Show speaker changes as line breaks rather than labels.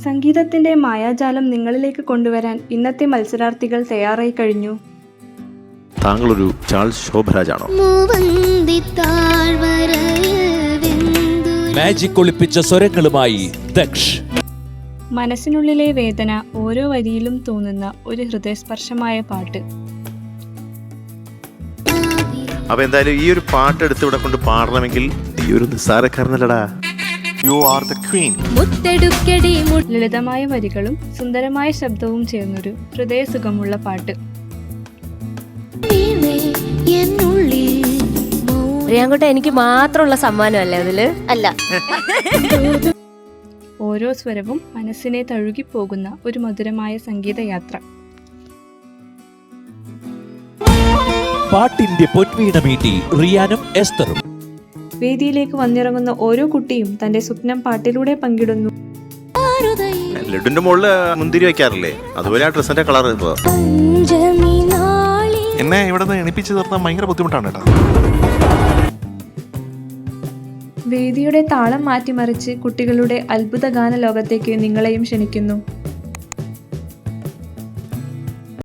സംഗീതത്തിന്റെ മായാജാലം നിങ്ങളിലേക്ക് കൊണ്ടുവരാൻ ഇന്നത്തെ മത്സരാർത്ഥികൾ തയ്യാറായി കഴിഞ്ഞു.
താങ്കളൊരു ചാൾസ് ശോഭരാജാണോ?
മാജിക് ഒളിപ്പിച്ച സ്വരങ്ങളുമായി ദക്ഷ്.
മനസ്സിനുള്ളിലെ വേദന ഓരോ വരിയിലും തോന്നുന്ന ഒരു ഹൃദയസ്പർശമായ പാട്ട്.
അപ്പൊ എന്തായാലും ഈ ഒരു പാട്ട് എടുത്ത് ഇവിടെ കൊണ്ട് പാടണമെങ്കിൽ ഈ ഒരു നിസ്സാരക്കാരനല്ലടാ. You are the queen.
ലളിതമായ വരികളും സുന്ദരമായ ശബ്ദവും ചേർന്നൊരു ഹൃദയസുഖമുള്ള പാട്ട്.
പ്രിയാങ്കുട്ട എനിക്ക് മാത്രമുള്ള സമ്മാനമല്ലേ അതില്? അല്ല.
ഓരോ സ്വരവും മനസ്സിനെ തഴുകിപ്പോകുന്ന ഒരു മധുരമായ സംഗീതയാത്ര.
പാട്ടിന്റെ പൊൻവീണ മീട്ടി റിയാനും എസ്തറും.
വേദിയിലേക്ക് വന്നിറങ്ങുന്ന ഓരോ കുട്ടിയും തന്റെ സ്വപ്നം പാട്ടിലൂടെ പങ്കിടുന്നു.
ലഡുന്റെ മുകളില് മുന്തിരി വെക്കാറില്ലേ, അതുപോലെ ആ ഡ്രസ്സിന്റെ കളർ.
എന്നെ ഇവിടെ നിന്ന് എണിപ്പിച്ച് നിർത്താൻ ഭയങ്കര ബുദ്ധിമുട്ടാണ് കേട്ടോ.
വേദിയുടെ താളം മാറ്റിമറിച്ച് കുട്ടികളുടെ അത്ഭുത ഗാന ലോകത്തേക്ക് നിങ്ങളെയും ക്ഷണിക്കുന്നു.